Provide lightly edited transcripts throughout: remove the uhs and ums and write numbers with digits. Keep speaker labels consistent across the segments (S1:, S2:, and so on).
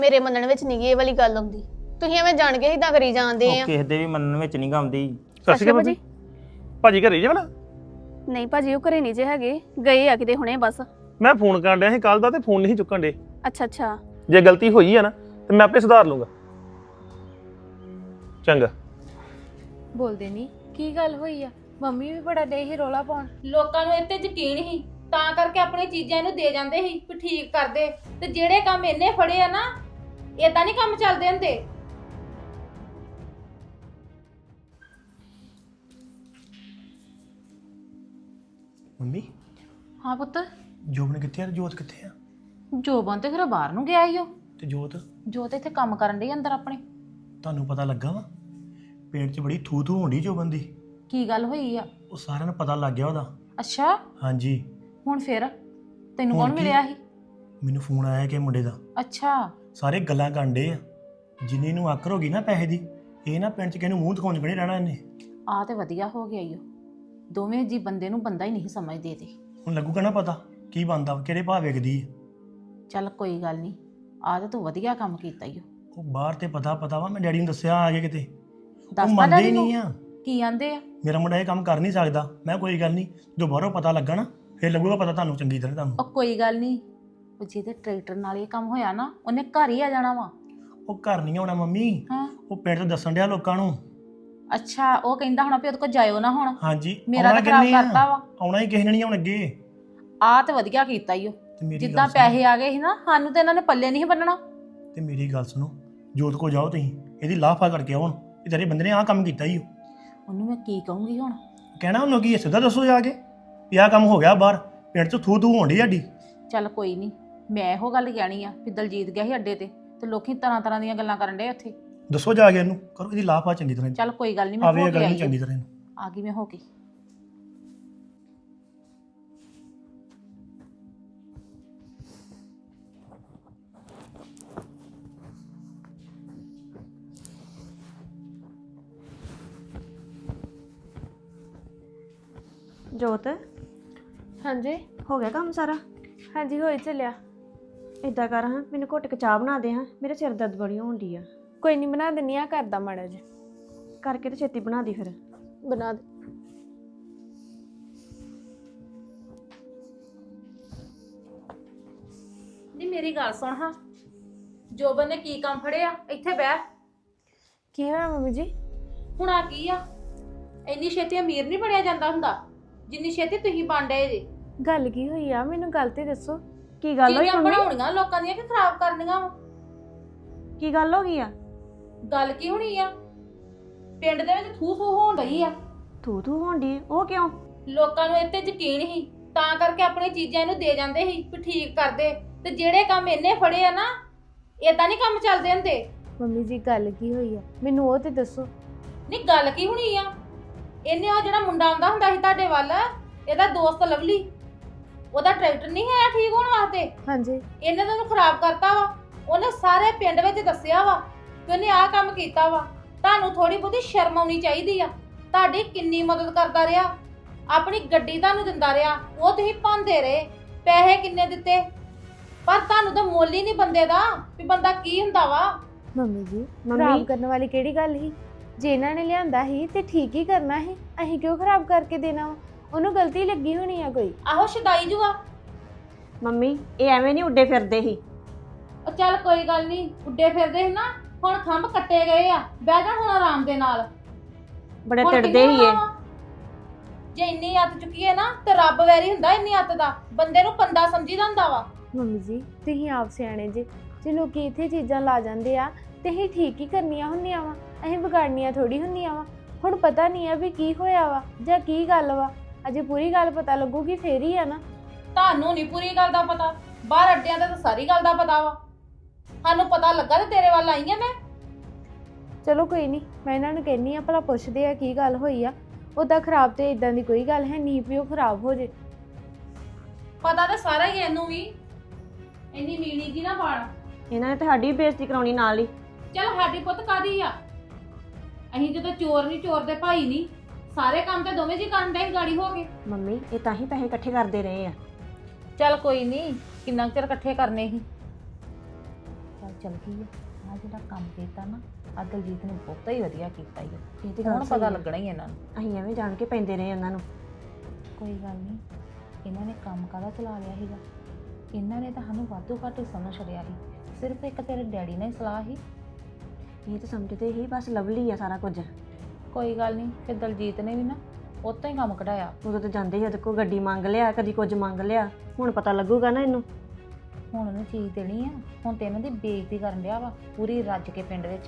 S1: ਮੇਰੇ ਮੰਨਣ ਵਿੱਚ ਨਹੀਂ ਇਹ ਵਾਲੀ ਗੱਲ ਆਉਂਦੀ। ਤੁਸੀਂ ਐਵੇਂ ਜਾਣ ਕੇ ਇਦਾਂ ਕਰੀ ਜਾਂਦੇ ਆ।
S2: ਕਿਸੇ ਦੇ ਵੀ ਮੰਨਣ ਵਿੱਚ ਨਹੀਂ ਗਾਉਂਦੀ।
S3: ਸਤਿ ਸ਼੍ਰੀ ਅਕਾਲ ਭਾਜੀ ਘਰੇ ਜੇ ਵਾਲਾ
S4: ਨਹੀਂ ਭਾਜੀ ਉਹ ਘਰੇ ਨਹੀਂ ਜੇ ਹੈਗੇ, ਗਏ ਆ ਕਿਤੇ ਹੁਣੇ ਬਸ।
S3: ਮੈਂ ਫੋਨ ਕਰਨ ਡਿਆ ਸੀ ਕੱਲ ਦਾ ਤੇ ਫੋਨ ਨਹੀਂ ਚੁੱਕਣ ਡੇ।
S4: ਅੱਛਾ ਅੱਛਾ
S3: ਜੇ ਗਲਤੀ ਹੋਈ ਆ ਨਾ ਤੇ ਮੈਂ ਆਪੇ ਸੁਧਾਰ ਲੂੰਗਾ। ਚੰਗਾ।
S5: ਬੋਲਦੇ ਨਹੀਂ ਕੀ ਗੱਲ ਹੋਈ ਆ? ਮੰਮੀ ਵੀ ਬੜਾ ਦੇ ਹੀ ਰੋਲਾ ਪਾਉਣ।
S6: ਲੋਕਾਂ ਨੂੰ ਇੱਥੇ ਯਕੀਨ ਹੀ ਤਾਂ ਕਰਕੇ ਆਪਣੀ ਚੀਜ਼ਾਂ ਇਹਨੂੰ ਦੇ ਜਾਂਦੇ ਸੀ ਵੀ ਠੀਕ ਕਰਦੇ, ਤੇ ਜਿਹੜੇ ਕੰਮ ਇਹਨੇ ਫੜੇ ਆ ਨਾ ਏਦਾਂ ਨਹੀਂ ਕੰਮ ਚੱਲਦੇ ਹੁੰਦੇ।
S7: ਮੰਮੀ
S5: ਹਾਂ ਪੁੱਤ।
S7: ਜੋਬਨ ਕਿੱਥੇ ਆ ਤੇ ਜੋਤ ਕਿੱਥੇ ਆ?
S5: ਜੋਬਨ ਤੇ ਫਿਰ ਬਾਹਰ ਨੂੰ ਗਿਆ ਈ ਓ।
S7: ਤੇ ਜੋਤ
S5: ਜੋਤ ਇੱਥੇ ਕੰਮ ਕਰਨ ਡਈ ਅੰਦਰ ਆਪਣੇ।
S7: ਤੁਹਾਨੂੰ ਪਤਾ ਲੱਗਾ ਵਾ ਪੇਟ 'ਚ ਬੜੀ ਥੂ ਥੂ ਹੋਣੀ ਜੋਬਨ ਦੀ।
S5: ਕੀ ਗੱਲ ਹੋਈ ਆ?
S7: ਉਹ ਸਾਰਿਆਂ ਨੂੰ ਪਤਾ ਲੱਗ ਗਿਆ ਉਹਦਾ।
S5: ਅੱਛਾ
S7: ਹਾਂਜੀ।
S5: ਹੁਣ ਫਿਰ ਤੈਨੂੰ
S7: ਹੁਣ
S5: ਕੌਣ
S7: ਕੀ?
S5: ਮਿਲਿਆ ਸੀ?
S7: ਮੈਨੂੰ ਫੋਨ ਆਇਆ ਕਿ ਮੁੰਡੇ ਦਾ।
S5: ਅੱਛਾ
S7: ਸਾਰੇ ਗੱਲਾਂ ਕਾਂਡੇ ਆ। ਜਿੰਨੀ ਨੂੰ ਆਕਰ ਹੋ ਗਈ ਨਾ ਪੈਸੇ ਦੀ, ਇਹ ਨਾ ਪਿੰਡ 'ਚ ਕਿਸੇ ਨੂੰ ਮੂੰਹ ਦਿਖਾਉਣ 'ਚ ਨਹੀਂ ਰਹਿਣਾ ਇਹਨੇ।
S5: ਆ ਤੇ ਵਧੀਆ ਹੋ ਗਿਆ ਈ ਓ। ਦੋਵੇਂ ਜੀ ਬੰਦੇ ਨੂੰ ਬੰਦਾ ਹੀ ਨਹੀਂ ਸਮਝਦੇ ਤੇ।
S7: ਹੁਣ ਲੱਗੂਗਾ ਨਾ ਪਤਾ ਕੀ ਬਣਦਾ ਕਿਹੜੇ ਭਾਅ ਵੇਖਦੀ ਆ।
S5: ਚੱਲ ਕੋਈ ਗੱਲ ਨਹੀਂ, ਆ ਤੇ ਤੂੰ ਵਧੀਆ ਕੰਮ ਕੀਤਾ ਈ ਓ।
S7: ਉਹ ਬਾਹਰ ਤੇ ਪਤਾ ਵਾ, ਮੈਂ ਡੈਡੀ ਨੂੰ ਦੱਸਿਆ ਆ ਕੇ ਕਿਤੇ। ਉਹ
S5: ਦੱਸਦਾ
S7: ਮੰਨਦੇ ਹੀ
S5: ਡੈਡੀ ਨੂੰ?
S7: ਨਹੀਂ ਆ।
S5: ਕੀ ਆਂਦੇ ਆ?
S7: ਮੇਰਾ ਮੁੰਡਾ ਇਹ ਕੰਮ ਕਰ ਨਹੀਂ ਸਕਦਾ। ਮੈਂ ਕੋਈ ਗੱਲ ਨਹੀਂ, ਜਦੋਂ ਬਾਹਰੋਂ ਪਤਾ ਲੱਗਾ ਨਾ ਫਿਰ ਲੱਗੂਗਾ ਪਤਾ ਤੁਹਾਨੂੰ ਚੰਗੀ ਤਰ੍ਹਾਂ ਤੁਹਾਨੂੰ।
S5: ਉਹ ਕੋਈ ਗੱਲ ਨਹੀਂ, ਉਹ ਜਿਹਦੇ ਟਰੈਕਟਰ ਨਾਲ ਇਹ ਕੰਮ ਹੋਇਆ ਨਾ ਉਹਨੇ ਘਰ ਹੀ ਆ ਜਾਣਾ ਵਾ।
S7: ਉਹ ਘਰ ਨਹੀਂ ਆਉਣਾ ਮੰਮੀ।
S5: ਹਾਂ
S7: ਉਹ ਪਿੰਡ 'ਚ ਦੱਸਣ ਡਿਆ ਲੋਕਾਂ ਨੂੰ।
S5: ਅੱਛਾ ਉਹ ਕਹਿੰਦਾ ਹੋਣਾ ਵੀ ਉਹਦੇ ਕੋਲ ਜਾਇਓ ਨਾ ਹੁਣ।
S7: ਹਾਂਜੀ
S5: ਮੇਰਾ
S7: ਆਉਣਾ
S5: ਤਾਂ ਖਰਾਬ
S7: ਕਿੰਨੇ ਆ?
S5: ਕਰਤਾ ਵਾ।
S7: ਆਉਣਾ ਹੀ ਕਿਸੇ ਨੇ ਨਹੀਂ ਆਉਣ ਅੱਗੇ।
S5: ਆ ਤੇ ਵਧੀਆ ਕੀਤਾ ਈ ਓ।
S7: ਤੇ ਮੇਰੀ
S5: ਜਿੱਦਾਂ
S7: ਗੱਲ ਸੁਣੋ।
S5: ਪੈਸੇ ਆ ਗਏ ਸੀ ਨਾ ਸਾਨੂੰ ਤੇ ਇਹਨਾਂ ਨੇ ਪੱਲੇ ਨਹੀਂ ਬੰਨਣਾ।
S7: ਤੇ ਮੇਰੀ ਗੱਲ ਸੁਣੋ, ਜੋਤ ਕੋ ਜਾਓ ਤੁਸੀਂ, ਇਹਦੀ ਲਾਫਾ ਕਰਕੇ ਆਉਣ ਇਹ ਤੇਰੇ ਬੰਦੇ ਨੇ ਆਹ ਕੰਮ ਕੀਤਾ ਹੀ।
S5: ਉਹਨੂੰ ਮੈਂ ਕੀ ਕਹੂੰਗੀ ਹੁਣ?
S7: ਕਹਿਣਾ ਉਹਨੂੰ ਕੀ ਸਿੱਧਾ ਦੱਸੋ ਜਾ ਕੇ ਵੀ ਆਹ ਕੰਮ ਹੋ ਗਿਆ ਬਾਹਰ ਪਿੰਡ 'ਚ ਥੂ ਥੂ ਹੋਣੀ ਸਾਡੀ।
S5: ਚੱਲ ਕੋਈ ਨਹੀਂ, ਮੈਂ ਇਹੋ ਗੱਲ ਕਹਿਣੀ ਆ ਵੀ ਦਲਜੀਤ ਗਿਆ ਸੀ ਅੱਡੇ ਤੇ ਲੋਕੀ ਤਰ੍ਹਾਂ ਦੀਆਂ ਗੱਲਾਂ ਕਰਨ ਡੇ ਉੱਥੇ।
S7: ਦੱਸੋ ਜਾ ਕੇ ਇਹਨੂੰ, ਕਰੋ ਇਹਦੀ ਲਾਫਾ ਚੰਗੀ ਤਰ੍ਹਾਂ।
S5: ਚੱਲ ਕੋਈ ਗੱਲ ਨਹੀਂ, ਮੈਂ
S7: ਆਵੇ
S5: ਹੋ
S7: ਇਹ
S5: ਕੇ
S7: ਗੱਲ
S5: ਆਈ
S7: ਨੂੰ ਚੰਗੀ ਤਰ੍ਹਾਂ ਇਹਨੂੰ।
S5: ਆ ਗਈ ਮੈਂ ਹੋ ਕੇ।
S8: ਜੋਤ
S1: ਹਾਂਜੀ
S8: ਹੋ ਗਿਆ ਕੰਮ ਸਾਰਾ?
S1: ਹਾਂਜੀ ਹੋਈ ਚੱਲਿਆ।
S8: ਇਦਾਂ ਕਰ ਹਾਂ, ਮੈਨੂੰ ਘੁੱਟ ਕੇ ਚਾਹ ਬਣਾ ਦੇ ਹਾਂ, ਮੇਰੇ ਸਿਰ ਦਰਦ ਬੜੀ ਹੋਣ ਡਈ ਆ।
S1: ਕੋਈ ਨਹੀਂ ਬਣਾ ਦਿੰਨੀ ਆ, ਕਰਦਾ ਮਾੜਾ ਜਿਹਾ।
S8: ਕਰਕੇ ਤੇ ਛੇਤੀ ਬਣਾ ਦੀ ਫਿਰ।
S1: ਬਣਾ ਦੇ।
S6: ਨਹੀਂ ਮੇਰੀ ਗੱਲ ਸੁਣ ਹਾਂ, ਜੋਬਨ ਨੇ ਕੀ ਕੰਮ ਫੜਿਆ? ਇੱਥੇ ਬਹਿ।
S1: ਕੀ ਹੋਇਆ ਮੰਮੀ ਜੀ?
S6: ਹੁਣ ਆ ਕੀ ਆ? ਇੰਨੀ ਛੇਤੀ ਅਮੀਰ ਨਹੀਂ ਬਣਿਆ ਜਾਂਦਾ ਹੁੰਦਾ ਜਿੰਨੀ ਛੇਤੀ ਤੁਸੀਂ ਬਣ ਡਏ ਜੇ।
S1: ਗੱਲ ਕੀ ਹੋਈ ਆ? ਮੈਨੂੰ ਗੱਲ ਤੇ ਦੱਸੋ।
S8: ਕੀ ਗੱਲ ਹੋਈ
S6: ਚੀਜ਼ਾਂ
S8: ਮੰਮੀ?
S6: ਬਣਾਉਣੀਆਂ ਲੋਕਾਂ ਦੀਆਂ ਕਿ ਖਰਾਬ ਕਰਨੀਆਂ ਵਾ?
S8: ਕੀ ਗੱਲ ਹੋ ਗਈ ਆ?
S6: ਗੱਲ ਕੀ ਹੋਣੀ ਆ? ਪਿੰਡ ਦੇ ਵਿੱਚ ਥੂ ਥੂ ਹੋਣ ਰਹੀ ਆ।
S8: ਥੂ ਥੂ ਹੋਣ ਡਈ? ਉਹ ਕਿਉਂ?
S6: ਲੋਕਾਂ ਨੂੰ ਇੱਥੇ ਯਕੀਨ ਹੀ ਤਾਂ ਕਰਕੇ ਆਪਣੀ ਚੀਜ਼ਾਂ ਇਹਨੂੰ ਦੇ ਜਾਂਦੇ ਸੀ ਵੀ ਠੀਕ ਕਰਦੇ, ਤੇ ਜਿਹੜੇ ਕੰਮ ਇਹਨੇ ਫੜੇ ਆ ਨਾ ਏਦਾਂ ਨਹੀਂ ਕੰਮ ਚੱਲਦੇ ਹੁੰਦੇ।
S1: ਮੰਮੀ ਜੀ ਗੱਲ ਕੀ ਹੋਈ ਆ? ਮੈਨੂੰ ਉਹ ਤੇ ਦੱਸੋ।
S6: ਨਹੀਂ ਗੱਲ ਕੀ ਹੋਣੀ ਆ? ਇਹਨੇ ਉਹ ਜਿਹੜਾ ਮੁੰਡਾ ਆਉਂਦਾ ਹੁੰਦਾ ਸੀ ਤੁਹਾਡੇ ਵੱਲ, ਇਹਦਾ ਦੋਸਤ ਲਵਲੀ, ਉਹਦਾ ਟਰੈਕਟਰ ਨਹੀਂ ਹੈ ਠੀਕ ਹੋਣ ਵਾਸਤੇ।
S1: ਹਾਂਜੀ
S6: ਇਹਨੇ ਤਾਂ ਉਹਨੂੰ ਖਰਾਬ ਕਰਤਾ ਵਾ। ਉਹਨੇ ਸਾਰੇ ਪਿੰਡ ਵਿੱਚ ਦੱਸਿਆ ਵਾ ਕਿ ਉਹਨੇ ਆਹ ਕੰਮ ਕੀਤਾ ਵਾ। ਤੁਹਾਨੂੰ ਥੋੜੀ ਬਹੁਤੀ ਸ਼ਰਮ ਆਉਣੀ ਚਾਹੀਦੀ ਆ। ਤੁਹਾਡੀ ਕਿੰਨੀ ਮਦਦ ਕਰਦਾ ਰਿਹਾ, ਆਪਣੀ ਗੱਡੀ ਤੁਹਾਨੂੰ ਦਿੰਦਾ ਰਿਹਾ, ਉਹ ਤੁਸੀਂ ਪਾਉਂਦੇ ਰਹੇ, ਪੈਸੇ ਕਿੰਨੇ ਦਿੱਤੇ, ਪਰ ਤੁਹਾਨੂੰ ਤਾਂ ਮੁੱਲ ਹੀ ਨਹੀਂ ਬੰਦੇ ਦਾ ਵੀ ਬੰਦਾ ਕੀ ਹੁੰਦਾ ਵਾ।
S1: ਮੰਮੀ ਜੀ ਖਰਾਬ ਕਰਨ ਵਾਲੀ ਕਿਹੜੀ ਗੱਲ ਸੀ? ਜੇ ਇਹਨਾਂ ਨੇ ਲਿਆਂਦਾ ਸੀ ਤੇ ਠੀਕ ਹੀ ਕਰਨਾ ਸੀ, ਅਸੀਂ ਕਿਉਂ ਖਰਾਬ ਕਰਕੇ ਦੇਣਾ ਵਾ? ਉਹਨੂੰ ਗਲਤੀ ਲੱਗੀ ਹੋਣੀ ਆ ਕੋਈ।
S6: ਆਹੋ ਸ਼ਦਾਈ ਜੂਆ।
S8: ਮੰਮੀ ਇਹ ਐਵੇਂ ਨਹੀਂ ਉੱਡੇ ਫਿਰਦੇ ਸੀ।
S6: ਉਹ ਚੱਲ ਕੋਈ ਗੱਲ ਨਹੀਂ, ਉੱਡੇ ਫਿਰਦੇ ਸੀ ਨਾ, ਹੁਣ ਖੰਭ ਕੱਟੇ ਗਏ ਆ, ਬਹਿ ਜਾ ਹੁਣ ਆਰਾਮ ਦੇ ਨਾਲ।
S8: ਬੜੇ
S6: ਹੁਣ
S8: ਟਿੜਦੇ
S6: ਕਿਹਨੂੰ
S8: ਹੀ ਇਹ।
S6: ਲਾਵਾਂ? ਜੇ ਇੰਨੀ ਅੱਤ ਚੁੱਕੀ ਹੈ ਨਾ ਤੇ ਰੱਬ ਵੈਰੀ ਹੁੰਦਾ ਇੰਨੀ ਅੱਤ ਦਾ, ਬੰਦੇ ਨੂੰ ਪੰਦਾ ਸਮਝੀਦਾ ਹੁੰਦਾ ਵਾ।
S1: ਮੰਮੀ ਜੀ ਤੁਸੀਂ ਆਪ ਸਿਆਣੇ ਜੇ ਲੋਕੀ ਇੱਥੇ ਚੀਜ਼ਾਂ ਲਾ ਜਾਂਦੇ ਆ ਤੇ ਅਸੀਂ ਠੀਕ ਹੀ ਕਰਨੀਆਂ ਹੁੰਦੀਆਂ ਵਾ, ਅਸੀਂ ਵਿਗਾੜਨੀਆਂ ਥੋੜੀ ਹੁੰਦੀਆਂ ਵਾ। ਹੁਣ ਪਤਾ ਨਹੀਂ ਆ ਵੀ ਕੀ ਹੋਇਆ ਵਾ ਜਾਂ ਕੀ ਗੱਲ ਵਾ, ਅਜੇ ਪੂਰੀ ਗੱਲ ਪਤਾ ਲੱਗੂਗੀ ਫੇਰ ਹੀ ਆ ਨਾ।
S6: ਤੁਹਾਨੂੰ ਨਹੀਂ ਪੂਰੀ ਗੱਲ ਦਾ ਪਤਾ, ਬਾਹਰ ਅੱਡਿਆਂ ਦਾ ਤਾਂ ਸਾਰੀ ਗੱਲ ਦਾ ਪਤਾ ਵਾ। ਸਾਨੂੰ ਪਤਾ ਲੱਗਾ ਤੇ ਤੇਰੇ ਵੱਲ ਆਈ ਆ ਮੈਂ।
S1: ਚਲੋ ਕੋਈ ਨਹੀਂ, ਮੈਂ ਇਹਨਾਂ ਨੂੰ ਕਹਿੰਨੀ ਆ ਭਲਾ ਪੁੱਛਦੇ ਆ ਕੀ ਗੱਲ ਹੋਈ ਆ। ਉਦਾਂ ਖਰਾਬ ਤੇ ਇਦਾਂ ਦੀ ਕੋਈ ਗੱਲ ਹੈ ਨਹੀਂ ਵੀ ਉਹ ਖਰਾਬ ਹੋ ਜੇ।
S6: ਪਤਾ ਤਾਂ ਸਾਰਾ ਹੀ ਇਹਨੂੰ ਵੀ। ਇੰਨੀ ਮੀਣੀ ਜੀ ਨਾ ਬਾੜ।
S8: ਇਹਨਾਂ ਨੇ ਤਾਂ ਸਾਡੀ ਵੀ ਬੇਇੱਜ਼ਤੀ ਕਰਾਉਣੀ ਨਾਲ ਹੀ।
S6: ਚੱਲ ਸਾਡੀ ਪੁੱਤ ਕਾਦੀ ਆ? ਅਸੀਂ ਜਦੋਂ ਚੋਰ ਨਹੀਂ, ਚੋਰ ਦੇ ਭਾਈ ਨਹੀਂ, ਸਾਰੇ ਕੰਮ ਤੇ ਦੋਵੇਂ ਜੀ ਕਰਨ ਦੇ ਗਾੜੀ ਹੋ ਗਏ।
S8: ਮੰਮੀ ਇਹ ਤਾਂ ਹੀ ਪੈਸੇ ਇਕੱਠੇ ਕਰਦੇ ਰਹੇ ਆ।
S6: ਚੱਲ ਕੋਈ ਨਹੀਂ, ਕਿੰਨਾ ਕੁ ਚਿਰ ਇਕੱਠੇ ਕਰਨੇ ਸੀ।
S5: ਚੱਲ ਚਲ ਗਈ ਆ ਜਿਹੜਾ ਕੰਮ ਕੀਤਾ ਨਾ ਆ ਦਲਜੀਤ ਨੇ ਬਹੁਤਾ ਹੀ ਵਧੀਆ ਕੀਤਾ ਈ ਆ।
S8: ਇਹ ਤੇ ਗੱਲ
S5: ਹੁਣ
S8: ਸਹੀ
S5: ਪਤਾ
S8: ਆ।
S5: ਲੱਗਣਾ ਹੀ ਇਹਨਾਂ ਨੂੰ।
S8: ਅਸੀਂ ਐਵੇਂ ਜਾਣ ਕੇ ਪੈਂਦੇ ਰਹੇ ਉਹਨਾਂ ਨੂੰ।
S5: ਕੋਈ ਗੱਲ ਨਹੀਂ, ਇਹਨਾਂ ਨੇ ਕੰਮ ਕਾਹਦਾ ਚਲਾ ਲਿਆ ਸੀਗਾ। ਇਹਨਾਂ ਨੇ ਤਾਂ ਸਾਨੂੰ ਵਾਧੂ ਘਾਟੂ ਸਮਝ ਛੜਿਆ ਸੀ। ਸਿਰਫ ਇੱਕ ਤੇਰੇ ਡੈਡੀ ਨੇ ਸਲਾਹ ਸੀ।
S8: ਇਹ ਤਾਂ ਸਮਝਦੇ ਹੀ ਬਸ ਲਵਲੀ ਆ ਸਾਰਾ ਕੁਝ।
S5: ਕੋਈ ਗੱਲ ਨਹੀਂ, ਫਿਰ ਦਲਜੀਤ ਨੇ ਵੀ ਨਾ ਉਤੋਂ ਹੀ ਕੰਮ ਕਢਾਇਆ।
S8: ਉਦੋਂ ਤਾਂ ਜਾਂਦੇ ਹੀ ਉਹਦੇ ਕੋਲ ਗੱਡੀ ਮੰਗ ਲਿਆ, ਕਦੀ ਕੁਝ ਮੰਗ ਲਿਆ। ਹੁਣ ਪਤਾ ਲੱਗੂਗਾ ਨਾ ਇਹਨੂੰ।
S5: ਹੁਣ ਉਹਨੂੰ ਚੀਜ਼ ਦੇਣੀ ਆ। ਹੁਣ ਤੇ ਇਹਨਾਂ ਦੀ ਬੇਇੱਜ਼ਤੀ ਕਰਨ ਡਿਆ ਵਾ ਪੂਰੀ ਰੱਜ ਕੇ ਪਿੰਡ ਵਿੱਚ।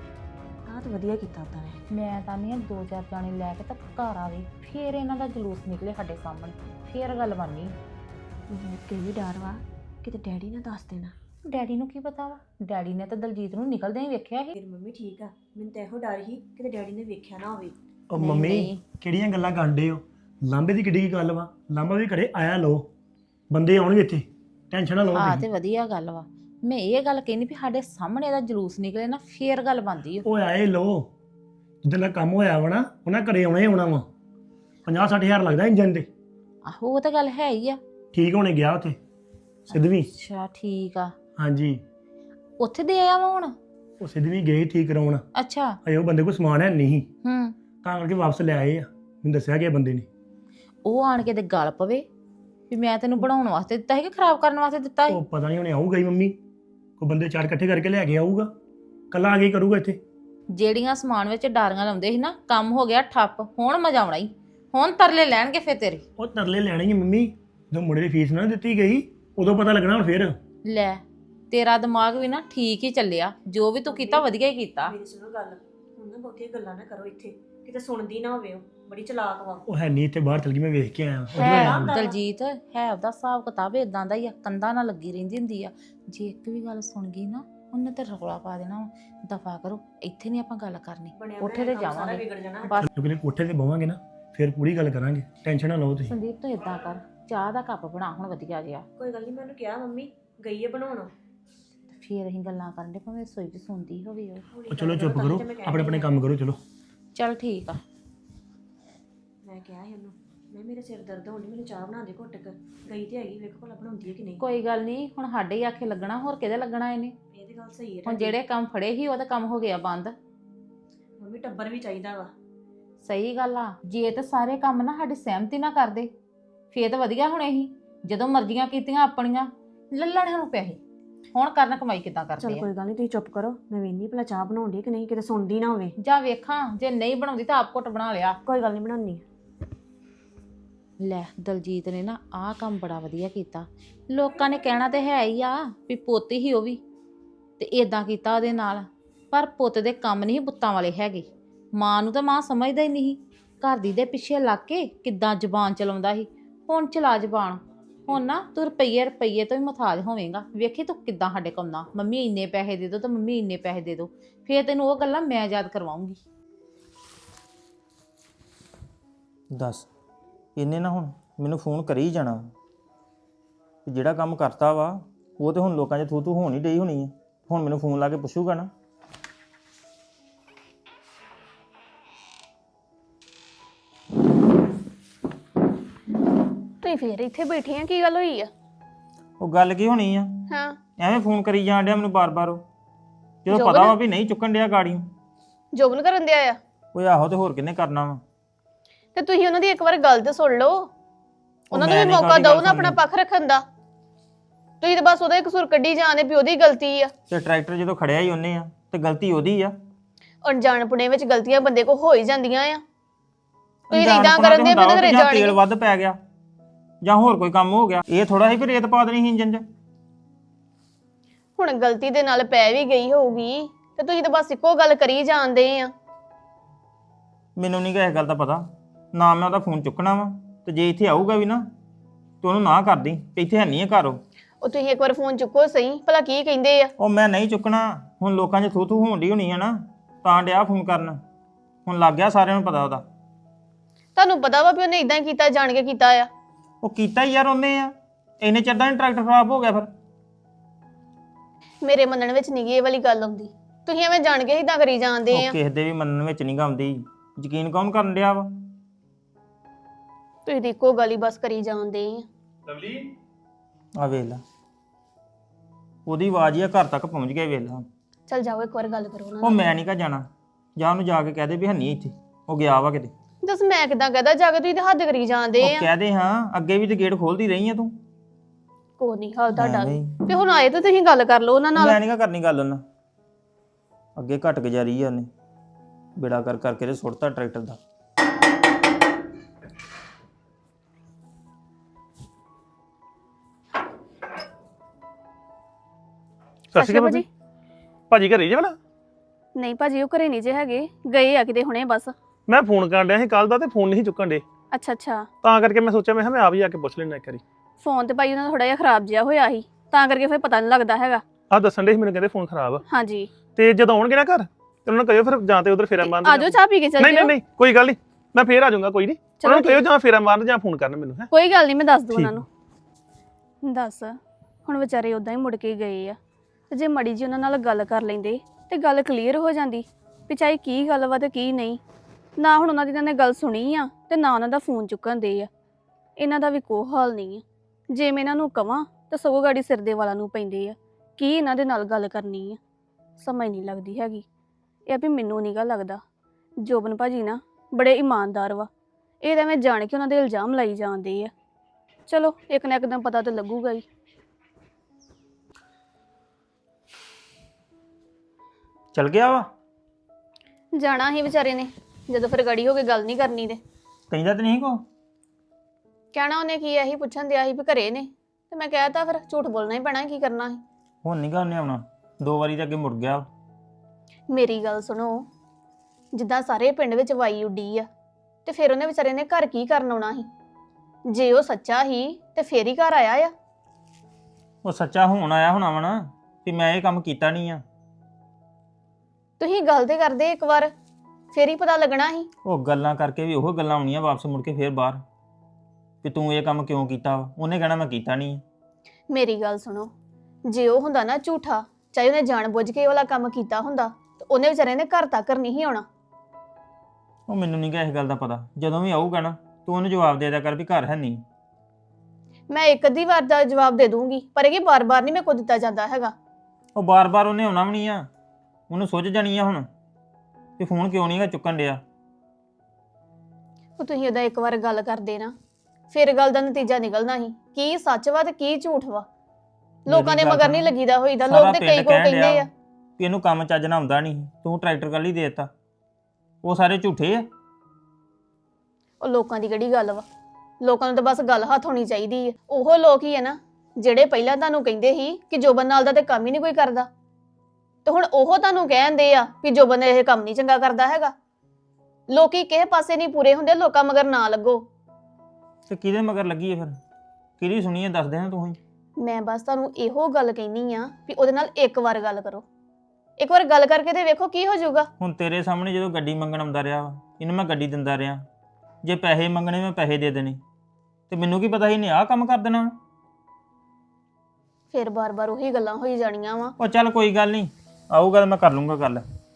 S8: ਆਹ ਤਾਂ ਵਧੀਆ ਕੀਤਾ ਤਾਂ ਨੇ।
S5: ਮੈਂ ਤਾਂ ਨਹੀਂ 2-4 ਜਾਣੇ ਲੈ ਕੇ ਤਾਂ ਘਰ ਆਵੇ, ਫੇਰ ਇਹਨਾਂ ਦਾ ਜਲੂਸ ਨਿਕਲੇ ਸਾਡੇ ਸਾਹਮਣੇ, ਫੇਰ ਗੱਲ ਬਣਨੀ।
S8: ਮੈਨੂੰ ਕਿ ਵੀ ਡਰ ਵਾ ਕਿਤੇ ਡੈਡੀ ਨੇ ਦੱਸ ਦੇਣਾ।
S5: ਡੈਡੀ ਨੂੰ ਕੀ ਪਤਾ ਵਾ? ਡੈਡੀ ਨੇ ਤਾਂ ਦਲਜੀਤ ਨੂੰ ਨਿਕਲਦੇ ਹੀ ਵੇਖਿਆ ਸੀ।
S8: ਫਿਰ ਮੰਮੀ ਠੀਕ ਆ, ਮੈਨੂੰ ਤਾਂ ਇਹੋ ਡਰ ਸੀ ਕਿਤੇ ਡੈਡੀ ਨੇ ਵੇਖਿਆ ਨਾ ਹੋਵੇ।
S7: ਉਹ
S5: ਨਹੀਂ,
S7: ਮੰਮੀ
S5: ਨਹੀਂ।
S7: ਕਿਹੜੀਆਂ ਗੱਲਾਂ ਕਰਦੇ ਹੋ? ਲਾਂਬੇ ਦੀ ਕਿੱਡੀ ਗੱਲ ਵਾ? ਲਾਂਬਾ ਵੀ ਘਰੇ ਆਇਆ ਲੋ, ਬੰਦੇ ਆਉਣਗੇ ਇੱਥੇ, ਟੈਨਸ਼ਨ ਨਾ ਲਓ
S5: ਆ
S7: ਤੁਸੀਂ।
S5: ਤੇ ਵਧੀਆ ਗੱਲ ਵਾ। ਮੈਂ ਇਹ ਗੱਲ ਕਹਿੰਦੀ ਵੀ ਸਾਡੇ ਸਾਹਮਣੇ ਇਹਦਾ ਜਲੂਸ ਨਿਕਲੇ ਨਾ, ਫੇਰ ਗੱਲ ਬਣਦੀ ਓ।
S7: ਉਹ ਆਏ ਲੋ, ਜਿੱਦਾਂ ਦਾ ਕੰਮ ਹੋਇਆ ਵਾ ਨਾ ਉਹਨਾਂ ਘਰੇ ਆਉਣਾ ਹੀ ਆਉਣਾ ਵਾ। 50-60 ਹਜ਼ਾਰ ਲੱਗਦਾ ਇੰਜਨ ਤੇ।
S5: ਆਹੋ ਉਹ ਤਾਂ ਗੱਲ ਹੈ ਹੀ ਆ।
S7: ਠੀਕ ਹੋਣੇ ਗਿਆ ਉੱਥੇ ਸਿੱਧਵੀਂ।
S5: ਅੱਛਾ ਠੀਕ ਆ।
S7: ਹਾਂਜੀ,
S5: ਉੱਥੇ ਦੇ ਆਇਆ ਵਾ ਹੁਣ?
S7: ਉਹ ਸਿੱਧਵੀਂ ਗਏ ਠੀਕ ਕਰਾਉਣ।
S5: ਅੱਛਾ।
S7: ਅਜੇ ਉਹ ਬੰਦੇ ਕੋਲ ਸਮਾਨ ਹੈ ਨਹੀਂ,
S5: ਹੂੰ।
S7: ਤਾਂ ਕਰਕੇ ਵਾਪਸ ਲੈ ਆਏ ਆ। ਮੈਨੂੰ ਦੱਸਿਆ ਗਿਆ ਬੰਦੇ ਨੇ।
S5: ਉਹ ਆਣ ਕੇ ਤੇ ਗੱਲ ਪਵੇ ਵੀ ਮੈਂ ਤੈਨੂੰ ਬਣਾਉਣ ਵਾਸਤੇ ਦਿੱਤਾ ਸੀ ਕਿ ਖਰਾਬ ਕਰਨ ਵਾਸਤੇ ਦਿੱਤਾ ਸੀ?
S7: ਉਹ ਪਤਾ ਨਹੀਂ ਉਹਨੇ ਆਊਗਾ ਹੀ ਮੰਮੀ, ਕੋਈ ਬੰਦੇ ਚਾਰ ਇਕੱਠੇ ਕਰਕੇ ਲੈ ਕੇ ਆਊਗਾ, ਕੱਲਾ ਆ ਕੇ ਹੀ ਕਰੂਗਾ ਇੱਥੇ।
S5: ਜਿਹੜੀਆਂ ਸਮਾਨ ਵਿੱਚ ਡਾਰੀਆਂ ਲਾਉਂਦੇ ਸੀ ਨਾ, ਕੰਮ ਹੋ ਗਿਆ ਠੱਪ। ਹੁਣ ਮਜ਼ਾ ਆਉਣਾ ਹੀ। ਹੁਣ ਤਰਲੇ ਲੈਣਗੇ ਫੇਰ ਤੇਰੇ।
S7: ਉਹ ਤਰਲੇ ਲੈਣੇ ਹੀ ਮੰਮੀ, ਜਦੋਂ ਮੁੰਡੇ ਦੀ ਫੀਸ ਨਾ ਦਿੱਤੀ ਗਈ ਉਦੋਂ ਪਤਾ ਲੱਗਣਾ ਹੁਣ ਫੇਰ।
S5: ਲੈ ਤੇਰਾ ਦਿਮਾਗ ਵੀ ਨਾ ਠੀਕ ਹੀ ਚੱਲਿਆ। ਜੋ ਵੀ ਤੂੰ ਕੀਤਾ ਵਧੀਆ ਹੀ ਕੀਤਾ।
S8: ਮੇਰੀ ਸੁਣੋ ਗੱਲ, ਹੁਣ ਨਾ ਬਹੁਤੀਆਂ ਗੱਲਾਂ ਨਾ ਕਰੋ ਇੱਥੇ, ਕਿਤੇ ਸੁਣਦੀ ਨਾ ਹੋਵੇ। ਉਹ ਬੜੀ ਚਲਾਕ ਵਾ।
S7: ਉਹ ਹੈ ਨਹੀਂ ਇੱਥੇ, ਬਾਹਰ ਚਲ ਗਈ, ਮੈਂ ਵੇਖ ਕੇ ਆਇਆ ਉਹਦੇ ਨਾਲ
S5: ਹੈ
S7: ਆਇਆ ਮੈਂ।
S5: ਦਲਜੀਤ ਹੈ, ਉਹਦਾ ਹਿਸਾਬ ਕਿਤਾਬ ਇਦਾਂ ਦਾ ਹੀ ਆ, ਕੰਧਾਂ ਨਾਲ ਲੱਗੀ ਰਹਿੰਦੀ ਹੁੰਦੀ ਆ। ਜੇ ਇੱਕ ਵੀ ਗੱਲ ਸੁਣ ਗਈ ਨਾ, ਉਹਨੇ ਤੇ ਰੌਲਾ ਪਾ ਦੇਣਾ। ਦਫਾ ਕਰੋ, ਇੱਥੇ ਨਹੀਂ ਆਪਾਂ ਗੱਲ ਕਰਨੀ, ਉੱਥੇ ਤੇ ਜਾਵਾਂਗੇ
S8: ਵਿਗੜ ਜਾਣਾ।
S5: ਬਸ।
S7: ਕਿਉਂਕਿ ਕੋਠੇ ਤੇ ਬਵਾਂਗੇ ਨਾ ਫਿਰ ਪੂਰੀ ਗੱਲ ਕਰਾਂਗੇ, ਟੈਨਸ਼ਨ ਨਾ ਲਓ ਤੁਸੀਂ।
S5: ਸੰਦੀਪ ਤੂੰ ਇਦਾਂ ਕਰ, ਚਾਹ ਦਾ ਕੱਪ ਬਣਾ ਹੁਣ ਵਧੀਆ ਜਿਹਾ,
S8: ਕੋਈ ਗੱਲ ਨਹੀਂ, ਮੈਂ ਉਹਨੂੰ ਕਿਹਾ ਮੰਮੀ ਗਈ ਹੈ ਬਣਾਉਣ।
S5: ਫੇਰ ਅਸੀਂ ਗੱਲਾਂ ਕਰਨ ਦੇ, ਭਾਵੇਂ ਰਸੋਈ 'ਚ ਸੁਣਦੀ ਹੋਵੇ ਉਹ।
S7: ਉਹ ਚਲੋ ਚੁੱਪ ਕਰੋ, ਆਪਣੇ ਆਪਣੇ ਕੰਮ ਕਰੋ, ਚਲੋ।
S5: ਚੱਲ ਠੀਕ ਆ।
S8: ਮੈਂ ਕਿਹਾ ਸੀ ਉਹਨੂੰ, ਮੈਂ ਮੇਰੇ ਸਿਰ ਦਰਦ ਹੋਣੀ, ਮੈਨੂੰ ਚਾਹ ਬਣਾ ਦੇ ਘੁੱਟ ਕੇ। ਗਈ ਤੇ ਹੈਗੀ, ਵੇਖੋ ਭਲਾ ਬਣਾਉਂਦੀ ਹੈ ਕਿ ਨਹੀਂ।
S5: ਕੋਈ ਗੱਲ ਨਹੀਂ, ਹੁਣ ਸਾਡੇ ਹੀ ਆਖੇ ਲੱਗਣਾ, ਹੋਰ ਕਿਹਦੇ ਲੱਗਣਾ ਇਹਨੇ?
S8: ਇਹ ਤੇ ਗੱਲ ਸਹੀ ਹੈ
S5: ਹੁਣ ਜਿਹੜੇ ਕੰਮ ਫੜੇ ਸੀ ਉਹ ਤਾਂ ਕੰਮ ਹੋ ਗਿਆ ਬੰਦ।
S8: ਮੰਮੀ ਟੱਬਰ ਵੀ ਚਾਹੀਦਾ ਵਾ।
S5: ਸਹੀ ਗੱਲ ਆ। ਜੇ ਤੇ ਸਾਰੇ ਕੰਮ ਨਾ ਸਾਡੀ ਸਹਿਮਤੀ ਨਾ ਕਰਦੇ ਫੇਰ ਤਾਂ ਵਧੀਆ ਹੋਣੇ ਸੀ। ਜਦੋਂ ਮਰਜ਼ੀਆਂ ਕੀਤੀਆਂ ਆਪਣੀਆਂ, ਲੱਲਣ ਨੂੰ ਪੈਸੇ। ਹੁਣ ਕਰਨ ਕਮਾਈ ਕਿੱਦਾਂ
S8: ਚਲ
S5: ਕਰਦੇ ਆ?
S8: ਕੋਈ ਗੱਲ ਨਹੀਂ, ਤੁਸੀਂ ਚੁੱਪ ਕਰੋ। ਮੈਂ ਵੇਖਨੀ ਭਲਾ ਚਾਹ ਬਣਾਉਂਦੀ ਹੈ ਕਿ ਨਹੀਂ, ਕਿਤੇ ਸੁਣਦੀ ਨਾ ਹੋਵੇ।
S5: ਜਾਂ ਵੇਖਾਂ, ਜੇ ਨਹੀਂ ਬਣਾਉਂਦੀ ਤਾਂ ਆਪ ਘੁੱਟ ਬਣਾ ਲਿਆ।
S8: ਕੋਈ ਗੱਲ ਨਹੀਂ, ਬਣਾਉਣੀ।
S5: ਲੈ ਦਲਜੀਤ ਨੇ ਨਾ ਆਹ ਕੰਮ ਬੜਾ ਵਧੀਆ ਕੀਤਾ। ਲੋਕਾਂ ਨੇ ਕਹਿਣਾ ਤੇ ਹੈ ਹੀ ਆ ਵੀ ਪੁੱਤ ਹੀ ਉਹ ਵੀ, ਤੇ ਇਦਾਂ ਕੀਤਾ ਉਹਦੇ ਨਾਲ। ਪਰ ਪੁੱਤ ਦੇ ਕੰਮ ਨਹੀਂ ਬੁੱਤਾਂ ਵਾਲੇ ਹੈਗੇ। ਮਾਂ ਨੂੰ ਤਾਂ ਮਾਂ ਸਮਝਦਾ ਹੀ ਨਹੀਂ। ਘਰ ਦੀ ਦੇ ਪਿੱਛੇ ਲੱਗ ਕੇ ਕਿੱਦਾਂ ਜ਼ੁਬਾਨ ਚਲਾਉਂਦਾ ਸੀ। ਹੁਣ ਚਲਾ ਜ਼ੁਬਾਨ। ਹੁਣ ਨਾ ਤੂੰ ਰੁਪਈਏ ਤੋਂ ਹੀ ਮੁਹਤਾਜ ਹੋਵੇਂਗਾ। ਵੇਖੀ ਤੂੰ ਕਿੱਦਾਂ ਸਾਡੇ ਕੰਮਾਂ, ਮੰਮੀ ਇੰਨੇ ਪੈਸੇ ਦੇ ਦਿਓ ਤੇ ਮੰਮੀ ਇੰਨੇ ਪੈਸੇ ਦੇ ਦਿਓ। ਫੇਰ ਤੈਨੂੰ ਉਹ ਗੱਲਾਂ ਮੈਂ ਯਾਦ ਕਰਵਾਉਂਗੀ।
S2: ਦੱਸ, ਇਹਨੇ ਨਾ ਹੁਣ ਮੈਨੂੰ ਫੋਨ ਕਰੀ ਜਾਣਾ ਵੀ ਜਿਹੜਾ ਕੰਮ ਕਰਤਾ ਵਾ ਉਹ ਤੇ ਹੁਣ ਲੋਕਾਂ 'ਚ ਥੂ ਹੋਣੀ ਡਈ ਹੋਣੀ ਹੈ। ਹੁਣ ਮੈਨੂੰ ਫੋਨ ਲਾ ਕੇ ਪੁੱਛੂਗਾ ਨਾ।
S4: ਤੁਸੀਂ ਫੇਰ ਇੱਥੇ ਬੈਠੇ ਆ, ਕੀ ਗੱਲ ਹੋਈ ਆ?
S2: ਉਹ ਗੱਲ ਕੀ ਹੋਣੀ ਆ?
S4: ਹਾਂ,
S2: ਐਵੇਂ ਫੋਨ ਕਰੀ ਜਾਣ ਡਿਆ ਮੈਨੂੰ ਬਾਰ-ਬਾਰ। ਉਹ ਜਦੋਂ
S4: ਜੋਬਨ?
S2: ਪਤਾ ਵਾ ਵੀ ਨਹੀਂ ਚੁੱਕਣ ਡਿਆ ਗਾੜੀ।
S4: ਜੋਬਨ ਕਰਨ ਦਿਆ ਆ?
S2: ਓਏ ਆਹੋ, ਤੇ ਹੋਰ ਕਿਹਨੇ ਕਰਨਾ ਵਾ?
S4: ਤੇ ਤੁਸੀਂ ਉਹਨਾਂ ਦੀ ਇੱਕ ਵਾਰ ਗੱਲ ਤੇ ਸੁਣ ਲਓ। ਉਹਨਾਂ ਨੂੰ
S2: ਮੈਂ
S4: ਵੀ
S2: ਨੀ
S4: ਮੌਕਾ
S2: ਕਾਹਦੀ
S4: ਦਿਓ
S2: ਗੱਲ
S4: ਨਾ ਆਪਣਾ
S2: ਸੁਣਨੀ।
S4: ਪੱਖ ਰੱਖਣ ਦਾ। ਤੁਸੀਂ ਤਾਂ ਬਸ ਉਹਦਾ ਇੱਕ ਸੁਰ ਕੱਢੀ ਜਾਂਦੇ ਵੀ ਉਹਦੀ ਗਲਤੀ ਆ।
S2: ਤੇ ਟਰੈਕਟਰ ਜਦੋਂ ਖੜਿਆ ਹੀ ਉਹਨੇ ਆ ਤੇ ਗਲਤੀ ਉਹਦੀ ਆ।
S4: ਅਣਜਾਣਪੁਣੇ ਵਿੱਚ ਗਲਤੀਆਂ ਬੰਦੇ ਕੋ ਹੋ ਹੀ ਜਾਂਦੀਆਂ ਆ। ਤੁਸੀਂ
S2: ਅਣਜਾਣ
S4: ਇਦਾਂ
S2: ਪੁਣਾ
S4: ਕਰਨ ਦੇ
S2: ਤੇ ਹੁੰਦਾ
S4: ਮੈਨੂੰ
S2: ਵਾ ਵੀ
S4: ਤੇ
S2: ਜਾਂ
S4: ਜਾਣ
S2: ਤੇਲ ਵੱਧ ਪੈ ਗਿਆ ਜਾਂ ਹੋਰ ਕੋਈ ਕੰਮ ਹੋ ਗਿਆ। ਇਹ ਥੋੜਾ ਹੀ ਵੀ ਰੇਤ ਪਾ ਦੇਣੀ ਸੀ ਇੰਜਨ 'ਚ।
S4: ਹੁਣ ਗਲਤੀ ਦੇ ਨਾਲ ਪੈ ਵੀ ਗਈ ਹੋਊਗੀ ਤੇ ਤੁਸੀਂ ਤਾਂ ਬਸ ਇੱਕੋ ਗੱਲ ਕਰੀ ਜਾਂਦੇ ਆ।
S2: ਮੈਨੂੰ ਨਹੀਂ ਇਸ ਗੱਲ ਦਾ ਪਤਾ ਨਾ। ਮੈਂ ਉਹਦਾ ਫੋਨ ਚੁੱਕਣਾ ਵਾ, ਤੇ ਜੇ ਇੱਥੇ ਆਊਗਾ ਵੀ ਨਾ ਤੇ ਉਹਨੂੰ ਨਾ ਕਰਦੀ ਤੇ ਇੱਥੇ ਹੈ ਨਹੀਂ ਘਰ ਉਹ।
S4: ਉਹ ਤੁਸੀਂ ਇੱਕ ਵਾਰ ਫੋਨ ਚੁੱਕੋ ਸਹੀ, ਭਲਾ ਕੀ ਕਹਿੰਦੇ ਆ।
S2: ਉਹ ਮੈਂ ਨਹੀਂ ਚੁੱਕਣਾ। ਹੁਣ ਲੋਕਾਂ 'ਚ ਥੂ ਹੋਣ ਡਈ ਹੋਣੀ ਆ ਨਾ, ਤਾਂ ਡਿਆ ਫੋਨ ਕਰਨ। ਹੁਣ ਲੱਗ ਗਿਆ ਸਾਰਿਆਂ ਨੂੰ ਪਤਾ ਉਹਦਾ।
S4: ਤੁਹਾਨੂੰ ਪਤਾ ਵਾ ਵੀ ਉਹਨੇ ਇਦਾਂ ਹੀ ਕੀਤਾ, ਜਾਣ ਕੇ ਕੀਤਾ ਆ।
S2: ਉਹ ਕੀਤਾ ਹੀ ਯਾਰ ਉਹਨੇ ਆ। ਇੰਨੇ ਚਿਰ ਦਾ ਟਰੈਕਟਰ ਖਰਾਬ ਹੋ ਗਿਆ ਫਿਰ।
S4: ਮੇਰੇ ਮੰਨਣ ਵਿੱਚ ਨਹੀਂ ਇਹ ਵਾਲੀ ਗੱਲ ਆਉਂਦੀ। ਤੁਸੀਂ ਐਵੇਂ ਜਾਣ ਕੇ ਇਦਾਂ ਕਰੀ ਜਾਂਦੇ
S2: ਉਹ
S4: ਆ।
S2: ਕਿਸੇ ਦੇ ਵੀ ਮੰਨਣ ਵਿੱਚ ਨਹੀਂ ਗਾਉਂਦੀ। ਯਕੀਨ ਕੌਣ ਕਰਨ ਡਿਆ ਵਾ?
S4: ਤੁਸੀਂ ਤਾਂ ਇੱਕੋ ਗੱਲ ਹੀ ਬਸ ਕਰੀ ਜਾਂਦੇ ਆ।
S3: ਲਵਲੀ
S2: ਆ ਵੇਖ ਲਾ, ਉਹਦੀ ਆਵਾਜ਼ ਹੀ ਆ ਘਰ ਤੱਕ ਪਹੁੰਚ ਗਿਆ ਵੇਖ ਲਾ।
S4: ਚੱਲ ਜਾਓ ਇੱਕ ਵਾਰ ਗੱਲ ਕਰੋ ਉਹਨਾਂ
S2: ਉਹ
S4: ਨਾਲ।
S2: ਮੈਂ ਨਹੀਂ ਕਾ ਜਾਣਾ, ਜਾਂ ਉਹਨੂੰ ਜਾ ਕੇ ਕਹਿ ਦੇ ਵੀ ਹੰਨੀ ਇੱਥੇ, ਉਹ ਗਿਆ ਵਾ ਕਿਤੇ।
S4: ਦੱਸ ਮੈਂ ਕਿਦਾਂ ਕਹਦਾ ਜਾ ਕੇ ਤੁਸੀਂ ਤੇ ਹੱਦ ਕਰੀ ਜਾਂਦੇ
S2: ਉਹ
S4: ਆ।
S2: ਕਹਿ ਦੇ ਹਾਂ, ਅੱਗੇ ਵੀ ਤੇ ਗੇਟ ਖੋਲਦੀ ਰਹੀ ਆ ਤੂੰ।
S4: ਕੋਈ ਨਹੀਂ ਹਾਲ ਤੁਹਾਡਾ
S2: ਨਹੀਂ।
S4: ਵੀ ਹੁਣ ਆਏ ਤਾਂ ਤੁਸੀਂ ਗੱਲ ਕਰ ਲਓ ਉਹਨਾਂ ਨਾਲ।
S2: ਮੈਂ ਨਹੀਂ ਕਾ ਕਰਨੀ ਗੱਲ ਉਹਨਾਂ, ਅੱਗੇ ਘਟ ਗੁਜ਼ਾਰੀ ਆ ਉਹਨੇ, ਬੇੜਾ ਕਰ ਕਰਕੇ ਤੇ ਸੁੱਟਤਾ ਟਰੈਕਟਰ ਦਾ।
S3: ਸਤਿ ਸ਼੍ਰੀ ਅਕਾਲ ਭਾਜੀ। ਭਾਜੀ ਘਰੇ ਜੇ ਭਲਾ?
S4: ਨਹੀਂ ਭਾਜੀ ਉਹ ਘਰੇ ਨਹੀਂ ਜੇ ਹੈਗੇ, ਗਏ ਆ ਕਿਤੇ ਹੁਣੇ ਬਸ।
S3: ਮੈਂ ਫੋਨ ਕਰਨ ਡਿਆ ਸੀ ਕੱਲ ਦਾ ਤੇ ਫੋਨ ਨਹੀਂ ਚੁੱਕਣ ਡੇ,
S4: ਅੱਛਾ ਅੱਛਾ।
S3: ਤਾਂ ਕਰਕੇ ਮੈਂ ਸੋਚਿਆ ਮੈਂ ਕਿਹਾ ਮੈਂ ਆਪ ਹੀ ਆ ਕੇ ਪੁੱਛ ਲੈਣਾ ਇੱਕ ਵਾਰੀ।
S4: ਫੋਨ ਤੇ ਭਾਈ ਉਹਨਾਂ ਦਾ ਥੋੜਾ ਜਿਹਾ ਖਰਾਬ ਜਿਹਾ ਹੋਇਆ ਸੀ, ਤਾਂ ਕਰਕੇ ਫਿਰ ਪਤਾ ਨਹੀਂ ਲੱਗਦਾ ਹੈਗਾ।
S3: ਆਹ ਦੱਸਣ ਡੇ ਸੀ ਮੈਨੂੰ, ਕਹਿੰਦੇ ਫੋਨ ਖਰਾਬ ਆ।
S4: ਹਾਂਜੀ
S3: ਤੇ ਜਦੋਂ ਆਉਣਗੇ ਨਾ ਘਰ ਤੇ ਉਹਨਾਂ ਨੂੰ ਕਹਿਓ ਫਿਰ ਜਾਂ ਤੇ ਉਧਰ ਫੇਰਾ ਮਾਰਨ।
S4: ਆਜੋ ਚਾਹ ਪੀ ਕੇ ਚੱਲ
S3: ਨਹੀਂ
S4: ਜਿਓ।
S3: ਨਹੀਂ ਨਹੀਂ ਕੋਈ ਗੱਲ ਨਹੀਂ, ਮੈਂ ਫੇਰ ਆ ਜਾਊਂਗਾ, ਕੋਈ ਨਹੀਂ। ਉਹਨਾਂ ਨੂੰ ਕਹਿਓ ਜਾਂ ਫੇਰਾ ਮਾਰਨ ਜਾਂ ਫੋਨ ਕਰਨ ਮੈਨੂੰ। ਹੈ
S4: ਕੋਈ ਗੱਲ ਨਹੀਂ, ਮੈਂ ਦੱਸ ਦੂ
S3: ਠੀਕ।
S4: ਉਹਨਾਂ ਨੂੰ। ਦੱਸ ਹੁਣ ਵਿਚਾਰੇ ਉਦਾਂ ਹੀ ਮੁੜ ਕੇ ਗਏ ਆ, ਤੇ ਜੇ ਮੜੀ ਜੀ ਉਹਨਾਂ ਨਾਲ ਗੱਲ ਕਰ ਲੈਂਦੇ ਤੇ ਗੱਲ ਕਲੀਅਰ ਹੋ ਜਾਂਦੀ ਵੀ ਚਾਹੇ ਕੀ ਗੱਲ ਵਾ ਤੇ ਕੀ ਨਹੀਂ। ਨਾ ਹੁਣ ਉਹਨਾਂ ਦੀ ਇਹਨਾਂ ਨੇ ਗੱਲ ਸੁਣੀ ਆ ਤੇ ਨਾ ਉਹਨਾਂ ਦਾ ਫੋਨ ਚੁੱਕਣ ਦੇ ਆ। ਇਹਨਾਂ ਦਾ ਵੀ ਕੋਈ ਹਾਲ ਨਹੀਂ ਆ। ਜੇ ਮੈਂ ਇਹਨਾਂ ਨੂੰ ਕਵਾਂ ਤਾਂ ਸਗੋਂ ਗਾੜੀ ਸਿਰ ਦੇ ਵਾਲਾਂ ਨੂੰ ਪੈਂਦੇ ਆ। ਕੀ ਇਹਨਾਂ ਦੇ ਨਾਲ ਗੱਲ ਕਰਨੀ ਆ, ਸਮਝ ਨਹੀਂ ਲੱਗਦੀ ਹੈਗੀ। ਇਹ ਆ ਵੀ ਮੈਨੂੰ ਨੀ ਗਾ ਲੱਗਦਾ ਜੋਬਨ ਭਾਜੀ ਨਾ ਬੜੇ ਇਮਾਨਦਾਰ ਵਾ। ਇਹ ਤਾਂ ਮੈਂ ਜਾਣ ਕੇ ਉਹਨਾਂ ਦੇ ਇਲਜ਼ਾਮ ਲਾਈ ਜਾਂਦੇ ਆ। ਚਲੋ ਇੱਕ ਨਾ ਇੱਕ ਦਿਨ ਪਤਾ ਤਾਂ ਲੱਗੂਗਾ ਹੀ।
S2: ਚਲ ਗਿਆ ਵਾ?
S4: ਜਾਣਾ ਹੀ ਵਿਚਾਰੇ ਨੇ, ਜਦੋਂ ਫਿਰ ਗੜੀ ਹੋ ਕੇ ਗੱਲ ਨਹੀਂ ਕਰਨੀ ਤੇ
S2: ਕਹਿੰਦਾ ਤੇ ਨਹੀਂ ਕੋ?
S4: ਕਹਿਣਾ ਉਹਨੇ ਕੀ ਇਹੀ ਪੁੱਛਣ ਦਿਆ ਸੀ ਵੀ ਘਰੇ ਨੇ, ਤੇ ਮੈਂ ਕਹਿਤਾ ਫਿਰ ਝੂਠ ਬੋਲਣਾ ਹੀ ਪੈਣਾ, ਕੀ ਕਰਨਾ ਸੀ।
S2: ਹੁਣ ਨਹੀਂ ਗਾ ਉਹਨੇ ਆਉਣਾ, 2 ਵਾਰੀ ਤੇ ਅੱਗੇ ਮੁੜ ਗਿਆ।
S4: ਮੇਰੀ ਗੱਲ ਸੁਣੋ, ਜਿੱਦਾਂ ਸਾਰੇ ਪਿੰਡ ਵਿੱਚ ਵਾਈ ਉੱਡੀ ਆ ਤੇ ਫਿਰ ਉਹਨੇ ਵਿਚਾਰੇ ਨੇ ਘਰ ਕੀ ਕਰਨ ਆਉਣਾ ਸੀ। ਜੇ ਉਹ ਸੱਚਾ ਹੀ ਤੇ ਫੇਰ ਹੀ ਘਰ ਆਇਆ ਆ।
S2: ਉਹ ਸੱਚਾ ਹੋਣ ਆਇਆ ਹੋਣਾ ਵਾ ਨਾ ਵੀ ਮੈਂ ਇਹ ਕੰਮ ਕੀਤਾ ਨਹੀਂ ਆ।
S4: ਤੁਸੀਂ ਗੱਲ ਤੇ ਕਰਦੇ ਇੱਕ ਵਾਰ, ਫੇਰ ਹੀ ਪਤਾ ਲੱਗਣਾ ਸੀ।
S2: ਉਹ ਗੱਲਾਂ ਕਰਕੇ ਵੀ ਉਹ ਗੱਲਾਂ ਆਉਣੀਆਂ ਵਾਪਸ ਮੁੜ ਕੇ ਫੇਰ ਬਾਹਰ ਵੀ ਤੂੰ ਇਹ ਕੰਮ ਕਿਉਂ ਕੀਤਾ ਵਾ। ਉਹਨੇ ਕਹਿਣਾ ਮੈਂ ਕੀਤਾ ਨਹੀਂ।
S4: ਮੇਰੀ ਗੱਲ ਸੁਣੋ, ਜੇ ਉਹ ਹੁੰਦਾ ਨਾ ਝੂਠਾ, ਚਾਹੇ ਉਹਨੇ ਜਾਣਬੁੱਝ ਕੇ ਇਹ ਵਾਲਾ ਕੰਮ ਕੀਤਾ ਹੁੰਦਾ, ਤੇ ਉਹਨੇ ਵਿਚਾਰੇ ਨੇ ਘਰ ਤੱਕ ਨਹੀਂ ਸੀ ਆਉਣਾ।
S2: ਉਹ ਮੈਨੂੰ ਨਹੀਂ ਗਾ ਇਸ ਗੱਲ ਦਾ ਪਤਾ। ਜਦੋਂ ਵੀ ਆਊਗਾ ਨਾ ਤੂੰ ਉਹਨੂੰ ਜਵਾਬ ਦੇ ਦਿਆ ਕਰ ਵੀ ਘਰ ਹੈ ਨਹੀਂ।
S4: ਮੈਂ ਇੱਕ ਅੱਧੀ ਵਾਰ ਦਾ ਜਵਾਬ ਦੇ ਦੂੰਗੀ, ਪਰ ਇਹ ਬਾਰ-ਬਾਰ ਨਹੀਂ ਮੇਰੇ ਕੋਲ ਦਿੱਤਾ ਜਾਂਦਾ ਹੈਗਾ।
S2: ਉਹ ਬਾਰ-ਬਾਰ ਉਹਨੇ ਆਉਣਾ ਵੀ ਨਹੀਂ ਆ, ਉਹਨੂੰ ਸੁੱਝ ਜਾਣੀ ਆ ਹੁਣ ਕਿ ਫੋਨ ਕਿਉਂ ਨਹੀਂ ਗਾ ਚੁੱਕਣ ਡਿਆ।
S4: ਉਹ ਤੁਸੀਂ ਉਹਦਾ ਇੱਕ ਵਾਰ ਗੱਲ ਕਰਦੇ ਨਾ, ਫਿਰ ਗੱਲ ਦਾ ਨਤੀਜਾ ਨਿਕਲਣਾ ਸੀ ਕੀ ਸੱਚ ਵਾ ਤੇ ਕੀ ਝੂਠ ਵਾ। ਲੋਕਾਂ ਦੇ ਮਗਰ ਨਹੀਂ ਲੱਗੀਦਾ ਹੋਈਦਾ। ਲੋਕ ਤੇ ਕਈ ਕੋ ਕਹਿੰਦੇ ਆ
S2: ਕਿ ਇਹਨੂੰ ਕੰਮ ਚੱਜ ਨਾਲ ਆਉਂਦਾ ਨਹੀਂ, ਤੂੰ ਟਰੈਕਟਰ ਕੱਲ ਹੀ ਦੇ ਦਿੱਤਾ। ਉਹ ਸਾਰੇ ਝੂਠੇ ਆ।
S4: ਉਹ ਲੋਕਾਂ ਦੀ ਕਿਹੜੀ ਗੱਲ ਵਾ, ਲੋਕਾਂ ਨੂੰ ਤਾਂ ਬਸ ਗੱਲ ਹੱਥ ਹੋਣੀ ਚਾਹੀਦੀ ਹੈ। ਉਹ ਲੋਕ ਹੀ ਹੈ ਨਾ ਜਿਹੜੇ ਪਹਿਲਾਂ ਤੁਹਾਨੂੰ ਕਹਿੰਦੇ ਸੀ ਕਿ ਜੋਬਨ ਨਾਲ ਦਾ ਤੇ ਕੰਮ ਹੀ ਨਹੀਂ ਕੋਈ ਕਰਦਾ, ਤੇ ਹੁਣ ਉਹ ਤੁਹਾਨੂੰ ਕਹਿੰਦੇ ਆ ਕਿ ਜੋਬਨ ਇਹ ਕੰਮ ਨਹੀਂ ਚੰਗਾ ਕਰਦਾ ਹੈਗਾ। ਲੋਕੀ ਕਿਸੇ ਪਾਸੇ ਨਹੀਂ ਪੂਰੇ ਹੁੰਦੇ, ਲੋਕਾਂ ਮਗਰ ਨਾ ਲੱਗੋ।
S2: ਤੇ ਕਿਹਦੇ ਮਗਰ ਲੱਗੀ ਹੈ ਫਿਰ? ਕਿਹਦੀ ਸੁਣੀ ਹੈ ਦੱਸ ਦੇ ਨਾ ਤੂੰ ਹੀ।
S4: ਮੈਂ ਬਸ ਤੁਹਾਨੂੰ ਇਹੋ ਗੱਲ ਕਹਿਨੀ ਆ ਵੀ ਉਹਦੇ ਨਾਲ ਇੱਕ ਵਾਰ ਗੱਲ ਕਰੋ। ਇੱਕ ਵਾਰ ਗੱਲ ਕਰਕੇ ਤੇ ਵੇਖੋ ਕੀ ਹੋ ਜਾਊਗਾ।
S2: ਹੁਣ ਤੇਰੇ ਸਾਹਮਣੇ ਜਦੋਂ ਗੱਡੀ ਮੰਗਣ ਆਉਂਦਾ ਰਿਹਾ ਵਾ, ਇਹਨੂੰ ਮੈਂ ਗੱਡੀ ਦਿੰਦਾ ਰਿਹਾ। ਜੇ ਪੈਸੇ ਮੰਗਣੇ ਮੈਂ ਪੈਸੇ ਦੇ ਦੇਣੇ, ਤੇ ਮੈਨੂੰ ਕੀ ਪਤਾ ਸੀ ਇਹਨੇ ਆਹ ਕੰਮ ਕਰ ਦੇਣਾ।
S4: ਫਿਰ ਬਾਰ-ਬਾਰ ਉਹੀ ਗੱਲਾਂ ਹੋਈ ਜਾਣੀਆਂ ਵਾ।
S2: ਉਹ ਚੱਲ ਕੋਈ ਗੱਲ ਨਹੀਂ, ਆਊਗਾ ਤਾਂ ਮੈਂ ਕਰ ਲੂੰਗਾ ਗੱਲ।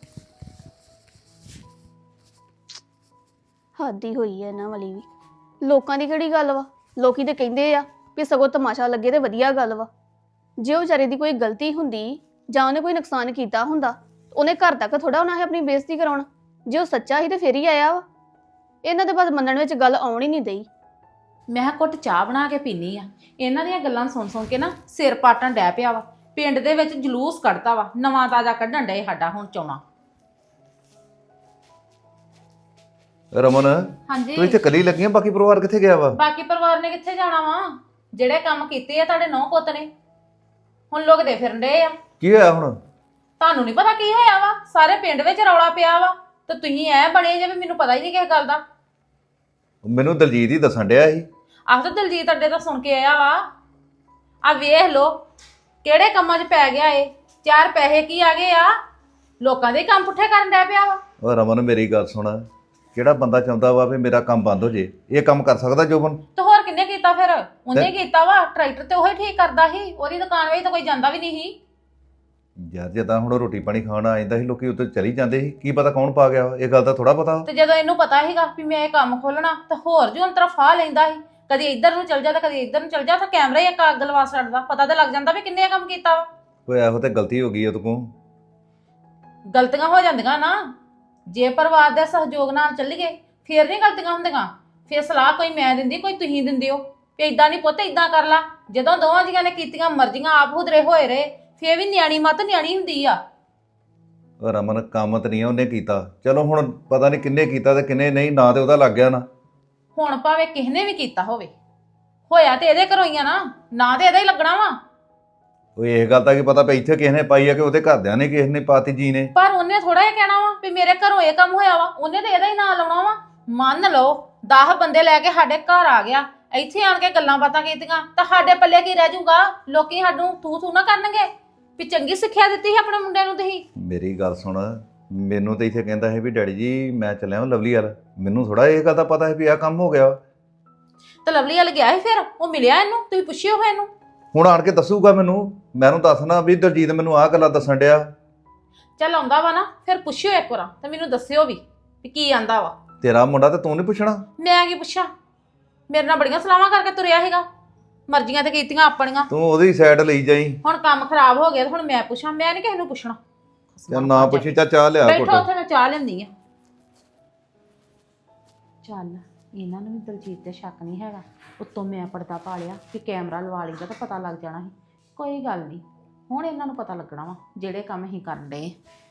S4: ਹੱਦ ਹੀ ਹੋਈ ਹੈ ਇਹਨਾਂ ਵਾਲੀ ਵੀ। ਲੋਕਾਂ ਦੀ ਕਿਹੜੀ ਗੱਲ ਵਾ, ਲੋਕੀ ਤੇ ਕਹਿੰਦੇ ਆ ਵੀ ਸਗੋਂ ਤਮਾਸ਼ਾ ਲੱਗੇ ਤੇ ਵਧੀਆ ਗੱਲ ਵਾ। ਜੇ ਉਹ ਵਿਚਾਰੇ ਦੀ ਕੋਈ ਗਲਤੀ ਹੁੰਦੀ ਜਾਂ ਉਹਨੇ ਕੋਈ ਨੁਕਸਾਨ ਕੀਤਾ ਹੁੰਦਾ, ਉਹਨੇ ਘਰ ਤੱਕ ਥੋੜਾ ਉਹਨਾਂ ਹੈ ਆਪਣੀ ਬੇਇੱਜ਼ਤੀ ਕਰਾਉਣਾ। ਜੇ ਉਹ ਸੱਚਾ ਹੀ ਤੇ ਫੇਰ ਹੀ ਆਇਆ ਵਾ। ਇਹਨਾਂ ਦੇ ਬਸ ਮੰਨਣ ਵਿੱਚ ਗੱਲ ਆਉਣ ਹੀ ਨਹੀਂ ਦਈ।
S5: ਮੈਂ ਕਿਹਾ ਘੁੱਟ ਚਾਹ ਬਣਾ ਕੇ ਪੀਨੀ ਆ। ਇਹਨਾਂ ਦੀਆਂ ਗੱਲਾਂ ਸੁਣ ਕੇ ਨਾ ਸਿਰ ਪਾਟਣ ਡੈ ਪਿਆ ਵਾ। ਪਿੰਡ ਦੇ ਵਿੱਚ ਜਲੂਸ ਕੱਢਤਾ ਵਾ, ਨਵਾਂ ਤਾਜ਼ਾ ਕੱਢਣ ਡਏ ਸਾਡਾ ਹੁਣ ਚੋਣਾ।
S9: ਰਮਨ,
S5: ਹਾਂਜੀ
S9: ਤੂੰ ਇੱਥੇ ਕੱਲੀ ਲੱਗੀ ਆਂ, ਬਾਕੀ ਪਰਿਵਾਰ ਕਿੱਥੇ ਗਿਆ ਵਾ?
S5: ਬਾਕੀ ਪਰਿਵਾਰ ਨੇ ਕਿੱਥੇ ਜਾਣਾ ਵਾ? ਜਿਹੜੇ ਕੰਮ ਕੀਤੇ ਆ ਤੁਹਾਡੇ ਨੌ ਪੁੱਤ ਨੇ, ਹੁਣ ਲੁਕਦੇ ਫਿਰਨ ਡਏ ਆ।
S9: ਕੀ ਹੋਇਆ ਹੁਣ?
S5: ਤੁਹਾਨੂੰ ਨਹੀਂ ਪਤਾ ਕੀ ਹੋਇਆ ਵਾ? ਸਾਰੇ ਪਿੰਡ ਵਿੱਚ ਰੌਲਾ ਪਿਆ ਵਾ ਤੇ ਤੁਸੀਂ ਐ ਬਣੇ ਜਿਵੇਂ ਮੈਨੂੰ ਪਤਾ ਹੀ ਨਹੀਂ ਕਿਸੇ ਗੱਲ ਦਾ।
S9: ਮੈਨੂੰ ਦਲਜੀਤ ਹੀ ਦੱਸਣ ਡਿਆ ਸੀ।
S5: ਆਹ ਤਾਂ ਦਲਜੀਤ ਅੱਡੇ ਤੋਂ ਸੁਣ ਕੇ ਆਇਆ ਵਾ। ਆ ਵੇਖ ਲੋ ਕਿਹੜੇ ਕੰਮਾਂ 'ਚ ਪੈ ਗਿਆ ਏ। 4 ਪੈਸੇ ਕੀ ਆ ਗਏ ਆ, ਲੋਕਾਂ ਦੇ ਕੰਮ ਪੁੱਠੇ ਕਰਨ ਡੈ ਪਿਆ ਵਾ।
S9: ਉਹ ਰਮਨ ਮੇਰੀ ਗੱਲ ਸੁਣ, ਕਿਹੜਾ ਬੰਦਾ ਚਾਹੁੰਦਾ ਵਾ ਵੀ ਮੇਰਾ ਕੰਮ ਬੰਦ ਹੋ ਜੇ? ਇਹ ਕੰਮ ਕਰ ਸਕਦਾ ਜੋਬਨ?
S5: ਤੇ ਹੋਰ ਕਿੰਨੇ ਕੀਤਾ ਫਿਰ? ਉਹਨੇ ਕੀਤਾ ਵਾ। ਟਰੈਕਟਰ ਤੇ ਉਹੀ ਠੀਕ ਕਰਦਾ ਸੀ, ਉਹਦੀ ਦੁਕਾਨ ਵਿੱਚ ਤਾਂ ਕੋਈ ਜਾਂਦਾ ਵੀ ਨਹੀਂ ਸੀ।
S9: ਯਾਰ ਜਦੋਂ ਹੁਣ ਰੋਟੀ ਪਾਣੀ ਖਾਣ ਆ ਜਾਂਦਾ ਸੀ ਲੋਕੀ ਉੱਤੇ ਚਲੀ ਜਾਂਦੇ ਸੀ, ਕੀ ਪਤਾ ਕੌਣ ਪਾ ਗਿਆ? ਇਹ ਗੱਲ ਦਾ ਥੋੜਾ ਪਤਾ।
S5: ਤੇ ਜਦੋਂ ਇਹਨੂੰ ਪਤਾ ਸੀਗਾ ਵੀ ਮੈਂ ਇਹ ਕੰਮ ਖੋਲਣਾ ਤਾਂ ਹੋਰ ਜੂ ਅੰਤਰਾ ਫਾਹ ਲੈਂਦਾ ਸੀ। ਕਦੀ ਇੱਧਰ ਨੂੰ ਚਲ ਜਾ ਤਾਂ ਕਦੀ ਇੱਧਰ ਨੂੰ ਚਲ ਜਾ, ਤਾਂ ਕੈਮਰਾ ਹੀ ਇੱਕ ਅੱਗ ਲਵਾ ਛੱਡਦਾ। ਪਤਾ ਤਾਂ ਲੱਗ ਜਾਂਦਾ ਵੀ ਕਿੰਨੇ ਕੰਮ ਕੀਤਾ ਵਾ।
S9: ਕੋਈ ਇਹੋ ਤੇ ਗਲਤੀ ਹੋ ਗਈ ਉਹਦੇ ਕੋਲ।
S6: ਗਲਤੀਆਂ ਹੋ ਜਾਂਦੀਆਂ ਨਾ, ਜੇ ਪਰਿਵਾਰ ਦੇ ਸਹਿਯੋਗ ਨਾਲ ਚੱਲੀਏ ਫੇਰ ਨਹੀਂ ਗਲਤੀਆਂ ਹੁੰਦੀਆਂ। ਫੇਰ ਸਲਾਹ ਕੋਈ ਮੈਂ ਦਿੰਦੀ, ਕੋਈ ਤੁਸੀਂ ਦਿੰਦੇ ਹੋ ਵੀ ਇਦਾਂ ਨਹੀਂ ਪੁੱਤ ਇਦਾਂ ਕਰ ਲਾ। ਜਦੋਂ ਦੋਵਾਂ ਜੀਆਂ ਨੇ ਕੀਤੀਆਂ ਮਰਜ਼ੀਆਂ ਆਪ ਹੁਦਰੇ ਹੋਏ ਰਹੇ, ਫੇਰ ਵੀ ਨਿਆਣੀ ਮੱਤ ਨਿਆਣੀ ਹੁੰਦੀ ਆ।
S9: ਉਹ ਰਮਨ ਕੰਮ ਤਾਂ ਨਹੀਂ ਉਹਨੇ ਕੀਤਾ, ਚਲੋ ਹੁਣ ਪਤਾ ਨਹੀਂ ਕਿੰਨੇ ਕੀਤਾ ਤੇ ਕਿੰਨੇ ਨਹੀਂ, ਨਾ ਤੇ ਉਹਦਾ ਲੱਗ ਗਿਆ ਨਾ।
S6: ਹੁਣ ਭਾਵੇਂ ਕਿਸੇ ਨੇ ਵੀ ਕੀਤਾ ਹੋਵੇ, ਹੋਇਆ ਤੇ ਇਹਦੇ ਘਰੋਂ ਹੀ ਆ ਨਾ ਤੇ ਇਹਦਾ ਹੀ ਲੱਗਣਾ ਵਾ।
S9: ਉਹ ਇਹ ਗੱਲ ਤਾਂ ਕੀ ਪਤਾ ਪਈ ਇੱਥੇ ਕਿਸੇ ਨੇ ਪਾਈ ਆ ਕਿ ਉਹਦੇ ਘਰਦਿਆਂ ਨੇ ਕਿਸੇ ਨੇ ਪਾਤੀ ਜੀ ਨੇ।
S6: ਪਰ ਉਹਨੇ ਥੋੜਾ ਜਿਹਾ ਕਹਿਣਾ ਵਾ ਵੀ ਮੇਰੇ ਘਰੋਂ ਇਹ ਕੰਮ ਹੋਇਆ ਵਾ, ਉਹਨੇ ਤੇ ਇਹਦਾ ਹੀ ਨਾਂ ਲਾਉਣਾ ਵਾ। ਮੰਨ ਲਓ 10 ਬੰਦੇ ਲੈ ਕੇ ਸਾਡੇ ਘਰ ਆ ਗਿਆ, ਇੱਥੇ ਆਣ ਕੇ ਗੱਲਾਂ ਬਾਤਾਂ ਕੀਤੀਆਂ ਤਾਂ ਸਾਡੇ ਪੱਲੇ ਕੀ ਰਹਿ ਜਾਊਗਾ? ਲੋਕੀ ਸਾਨੂੰ ਥੂ ਨਾ ਕਰਨਗੇ ਵੀ ਚੰਗੀ ਸਿੱਖਿਆ ਦਿੱਤੀ ਸੀ ਆਪਣੇ ਮੁੰਡਿਆਂ ਨੂੰ ਤੁਸੀਂ।
S9: ਮੇਰੀ ਗੱਲ ਸੁਣ, ਮੈਨੂੰ ਤਾਂ ਇੱਥੇ ਕਹਿੰਦਾ ਸੀ ਵੀ ਡੈਡੀ ਜੀ ਮੈਂ ਚੱਲਿਆ ਹਾਂ ਲਵਲੀ ਵਾਲ, ਮੈਨੂੰ ਥੋੜਾ ਇਹ ਗੱਲ ਦਾ ਪਤਾ ਹੈ ਵੀ ਆਹ ਕੰਮ ਹੋ ਗਿਆ।
S6: ਤਾਂ ਲਵਲੀ ਵਾਲ ਗਿਆ ਸੀ, ਫਿਰ ਉਹ ਮਿਲਿਆ ਇਹਨੂੰ, ਤੁਸੀਂ ਪੁੱਛਿਓ ਹੋਏ ਇਹਨੂੰ।
S9: ਹੁਣ ਆਣ ਕੇ ਦੱਸੂਗਾ ਮੈਨੂੰ ਦੱਸਣਾ ਵੀ ਦਲਜੀਤ ਮੈਨੂੰ ਆਹ ਗੱਲਾਂ ਦੱਸਣ ਡਿਆ।
S6: ਚੱਲ ਆਉਂਦਾ ਵਾ ਨਾ, ਫਿਰ ਪੁੱਛਿਓ ਇੱਕ ਵਾਰ ਤੇ ਮੈਨੂੰ ਦੱਸਿਓ ਵੀ ਕੀ ਆਂਦਾ ਵਾ।
S9: ਤੇਰਾ ਮੁੰਡਾ ਤੇ ਤੂੰ ਨਹੀਂ ਪੁੱਛਣਾ?
S6: ਮੈਂ ਕੀ ਪੁੱਛਾਂ? ਮੇਰੇ ਨਾਲ ਬੜੀਆਂ ਸਲਾਹਾਂ ਕਰਕੇ ਤੁਰਿਆ ਹੈਗਾ, ਮਰਜ਼ੀਆਂ ਤੇ ਕੀਤੀਆਂ ਆਪਣੀਆਂ।
S9: ਤੂੰ ਉਹਦੀ ਸਾਈਡ ਲਈ ਜਾਈ।
S6: ਹੁਣ ਕੰਮ ਖਰਾਬ ਹੋ ਗਿਆ ਤੇ ਹੁਣ ਮੈਂ ਪੁੱਛਾਂ? ਮੈਂ ਨਹੀਂ ਕਿਸੇ ਨੂੰ ਪੁੱਛਣਾ।
S9: ਚੱਲ ਨਾ ਪੁੱਛੀ, ਚਾਹ ਲਿਆ
S6: ਬੈਠੋ
S9: ਘੁੱਟ।
S6: ਉੱਥੇ, ਮੈਂ ਚਾਹ ਲੈਂਦੀ ਆ। ਚੱਲ ਇਹਨਾਂ ਨੂੰ ਵੀ ਦਲਜੀਤ ਤੇ ਸ਼ੱਕ ਨਹੀਂ ਹੈਗਾ, ਉੱਤੋਂ ਮੈਂ ਪਰਦਾ ਪਾ ਲਿਆ ਕਿ ਕੈਮਰਾ ਲਵਾ ਲਈਦਾ ਤਾਂ ਪਤਾ ਲੱਗ ਜਾਣਾ ਸੀ। ਕੋਈ ਗੱਲ ਨਹੀਂ, ਹੁਣ ਇਹਨਾਂ ਨੂੰ ਪਤਾ ਲੱਗਣਾ ਵਾ ਜਿਹੜੇ ਕੰਮ ਅਸੀਂ ਕਰਨ ਡਏ।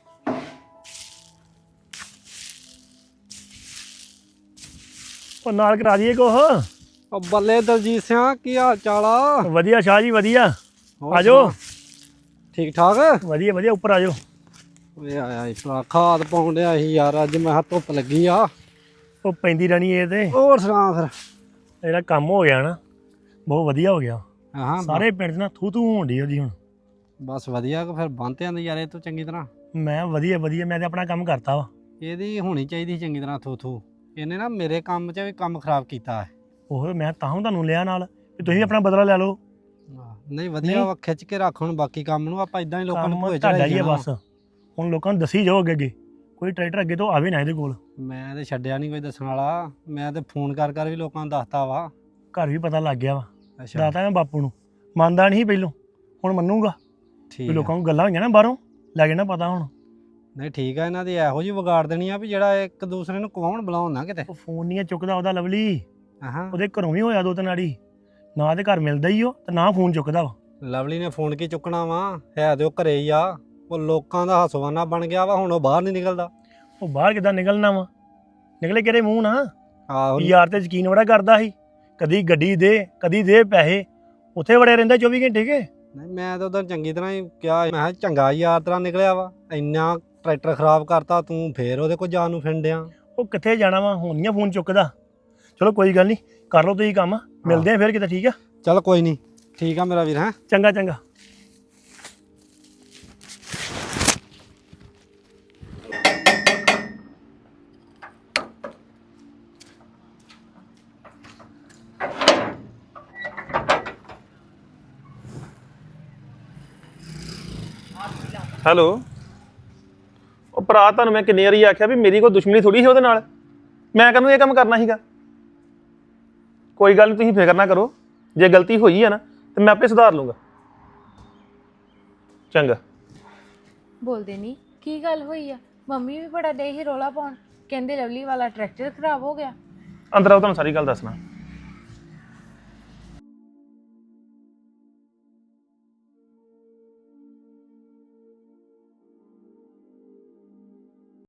S7: ਉਹ ਨਾਲ ਕਰਾ ਦਈਏ ਕੁਛ।
S10: ਉਹ ਬੱਲੇ ਦਲਜੀਤ ਸਿੰਘ, ਕੀ ਹਾਲ ਚਾਲ ਆ?
S7: ਵਧੀਆ ਸ਼ਾਹ ਜੀ ਵਧੀਆ।
S10: ਹੋਰ
S7: ਆਜੋ।
S10: ਸੁਣਾ? ਠੀਕ ਠਾਕ?
S7: ਵਧੀਆ ਵਧੀਆ, ਉੱਪਰ ਆਜੋ।
S10: ਓਏ ਆਇਆ ਈ ਭਰਾ, ਖਾਦ ਪਾਉਣ ਡਿਆ ਸੀ ਯਾਰ, ਅੱਜ ਮੈਂ ਕਿਹਾ ਧੁੱਪ ਲੱਗੀ ਆ।
S7: ਉਹ ਪੈਂਦੀ ਰਹਿਣੀ ਇਹ ਤੇ।
S10: ਹੋਰ ਸੁਣਾ ਫਿਰ?
S7: ਜਿਹੜਾ ਕੰਮ ਹੋ ਗਿਆ ਨਾ ਬਹੁਤ ਵਧੀਆ ਹੋ ਗਿਆ।
S10: ਹਾਂ
S7: ਸਾਰੇ ਪਿੰਡ 'ਚ ਨਾ ਥੂ ਹੋਣ ਡਈ ਉਹਦੀ ਹੁਣ।
S10: ਬਸ ਵਧੀਆ ਕਿ ਫਿਰ ਬੰਨ੍ਹਤਿਆਂ ਦੀ ਯਾਰ ਇਹ ਤੋਂ ਚੰਗੀ ਤਰ੍ਹਾਂ।
S7: ਮੈਂ ਵਧੀਆ ਮੈਂ ਤੇ ਆਪਣਾ ਕੰਮ ਕਰਤਾ ਵਾ।
S10: ਇਹਦੀ ਹੋਣੀ ਚਾਹੀਦੀ ਚੰਗੀ ਤਰ੍ਹਾਂ ਥੂ। ਇਹਨੇ ਨਾ ਮੇਰੇ ਕੰਮ 'ਚ ਵੀ ਕੰਮ ਖਰਾਬ ਕੀਤਾ ਹੈ।
S7: ਉਹ ਮੈਂ ਤਾਂ ਤੁਹਾਨੂੰ ਲਿਆ ਨਾਲ ਵੀ ਤੁਸੀਂ ਆਪਣਾ ਬਦਲਾ ਲੈ ਲਓ।
S10: ਨਹੀਂ ਵਧੀਆ ਵਾ, ਖਿੱਚ ਕੇ ਰੱਖ ਹੁਣ ਬਾਕੀ ਕੰਮ ਨੂੰ। ਆਪਾਂ ਇਦਾਂ ਹੀ ਲੋਕਾਂ ਨੂੰ
S7: ਕੰਮ
S10: ਭੋਏ
S7: ਤੁਹਾਡਾ
S10: ਚੜਾਈ
S7: ਹੀ ਆ
S10: ਜਾਣਾ।
S7: ਬਸ। ਹੁਣ ਲੋਕਾਂ ਨੂੰ ਦੱਸੀ ਜਾਓ ਅੱਗੇ ਕੋਈ ਟਰੈਕਟਰ ਅੱਗੇ ਤੋਂ ਆਵੇ ਨਾ ਇਹਦੇ ਕੋਲ।
S10: ਮੈਂ ਤੇ ਛੱਡਿਆ ਨਹੀਂ ਕੋਈ ਦੱਸਣ ਵਾਲਾ, ਮੈਂ ਤੇ ਫੋਨ ਕਰ ਵੀ ਲੋਕਾਂ ਨੂੰ ਦੱਸਤਾ ਵਾ।
S7: ਘਰ ਵੀ ਪਤਾ ਲੱਗ ਗਿਆ ਵਾ।
S10: ਅੱਛਾ
S7: ਦੱਸਤਾ ਮੈਂ ਬਾਪੂ ਨੂੰ, ਮੰਨਦਾ ਨਹੀਂ ਪਹਿਲੋਂ, ਹੁਣ ਮੰਨੂਗਾ। ਵੀ
S10: ਠੀਕ ਆ।
S7: ਲੋਕਾਂ ਨੂੰ ਗੱਲਾਂ ਹੋਈਆਂ ਨਾ ਬਾਹਰੋਂ ਲੱਗ ਜਾਣਾ ਪਤਾ ਹੁਣ।
S10: ਨਹੀਂ ਠੀਕ ਆ, ਇਹਨਾਂ ਦੀ ਇਹੋ ਜਿਹੀ ਵਿਗਾੜ ਦੇਣੀ ਆ ਵੀ ਜਿਹੜਾ ਇੱਕ ਦੂਸਰੇ ਨੂੰ ਕਵਾਉਣ ਬੁਲਾਉਣ ਨਾ ਕਿਤੇ।
S7: ਉਹ ਫੋਨ ਨਹੀਂ ਚੁੱਕਦਾ ਉਹਦਾ ਲਵਲੀ।
S10: ਹਾਂ
S7: ਉਹਦੇ ਘਰੋਂ ਵੀ ਹੋਇਆ 2-3 ਵਾਰੀ, ਨਾ ਤੇ ਘਰ ਮਿਲਦਾ ਹੀ ਉਹ ਤੇ ਨਾ ਫੋਨ ਚੁੱਕਦਾ ਵਾ।
S10: ਲਵਲੀ ਨੇ ਫੋਨ ਕੀ ਚੁੱਕਣਾ ਵਾ, ਹੈ ਤੇ ਉਹ ਘਰੇ ਹੀ ਆ। ਉਹ ਲੋਕਾਂ ਦਾ ਹਸਵਾਨਾ ਬਣ ਗਿਆ ਵਾ, ਹੁਣ ਉਹ ਬਾਹਰ ਨਹੀਂ ਨਿਕਲਦਾ।
S7: ਉਹ ਬਾਹਰ ਕਿੱਦਾਂ ਨਿਕਲਣਾ ਵਾ? ਨਿਕਲੇ ਕਿਹੜੇ ਮੂੰਹ ਨਾ?
S10: ਆਹੋ
S7: ਯਾਰ ਤੇ ਯਕੀਨ ਬੜਾ ਕਰਦਾ ਸੀ, ਕਦੀ ਗੱਡੀ ਦੇ ਕਦੀ ਦੇ ਪੈਸੇ, ਉੱਥੇ ਵੜਿਆ ਰਹਿੰਦਾ 24 ਘੰਟੇ ਕੇ।
S10: ਨਹੀਂ ਮੈਂ ਤਾਂ ਉਧਰ ਚੰਗੀ ਤਰ੍ਹਾਂ ਹੀ ਕਿਹਾ, ਮੈਂ ਕਿਹਾ ਚੰਗਾ ਯਾਰ ਤਰ੍ਹਾਂ ਨਿਕਲਿਆ ਵਾ, ਇੰਨਾ ਟਰੈਕਟਰ ਖਰਾਬ ਕਰਤਾ ਤੂੰ, ਫੇਰ ਉਹਦੇ ਕੋਲ ਜਾਣ ਨੂੰ ਫਿਰਦਿਆਂ।
S7: ਉਹ ਕਿੱਥੇ ਜਾਣਾ ਵਾ, ਹੁਣ ਨਹੀਂ ਫੋਨ ਚੁੱਕਦਾ। ਚਲੋ ਕੋਈ ਗੱਲ ਨਹੀਂ, ਕਰ ਲਓ ਤੁਸੀਂ ਕੰਮ, ਮਿਲਦੇ ਆ ਫਿਰ ਕਿਤੇ। ਠੀਕ ਆ?
S10: ਚੱਲ ਕੋਈ ਨਹੀਂ, ਠੀਕ ਆ ਮੇਰਾ ਵੀਰ। ਹੈਂ
S7: ਚੰਗਾ ਚੰਗਾ।
S3: ਹੈਲੋ। ਉਹ ਭਰਾ ਤੁਹਾਨੂੰ ਮੈਂ ਕਿੰਨੀ ਵਾਰੀ ਆਖਿਆ ਵੀ ਮੇਰੀ ਕੋਈ ਦੁਸ਼ਮਣੀ ਥੋੜੀ ਸੀ ਉਹਦੇ ਨਾਲ, ਮੈਂ ਕਹਿੰਦਾ ਇਹ ਕੰਮ ਕਰਨਾ ਸੀਗਾ। ਕੋਈ ਗੱਲ ਨਹੀਂ, ਤੁਸੀਂ ਫਿਕਰ ਨਾ ਕਰੋ, ਜੇ ਗਲਤੀ ਹੋਈ ਹੈ ਨਾ ਤੇ ਮੈਂ ਆਪੇ ਸੁਧਾਰ ਲੂੰਗਾ। ਚੰਗਾ।
S1: ਬੋਲਦੇ ਨਹੀਂ ਕੀ ਗੱਲ ਹੋਈ ਆ? ਮੰਮੀ ਵੀ ਬੜਾ ਡੇ ਹੀ ਰੋਲਾ ਪਾਉਣ, ਕਹਿੰਦੇ ਲਵਲੀ ਵਾਲਾ ਟਰੈਕਟਰ ਖਰਾਬ ਹੋ ਗਿਆ।
S3: ਅੰਦਰ ਆਓ, ਤੁਹਾਨੂੰ ਸਾਰੀ ਗੱਲ ਦੱਸਣਾ।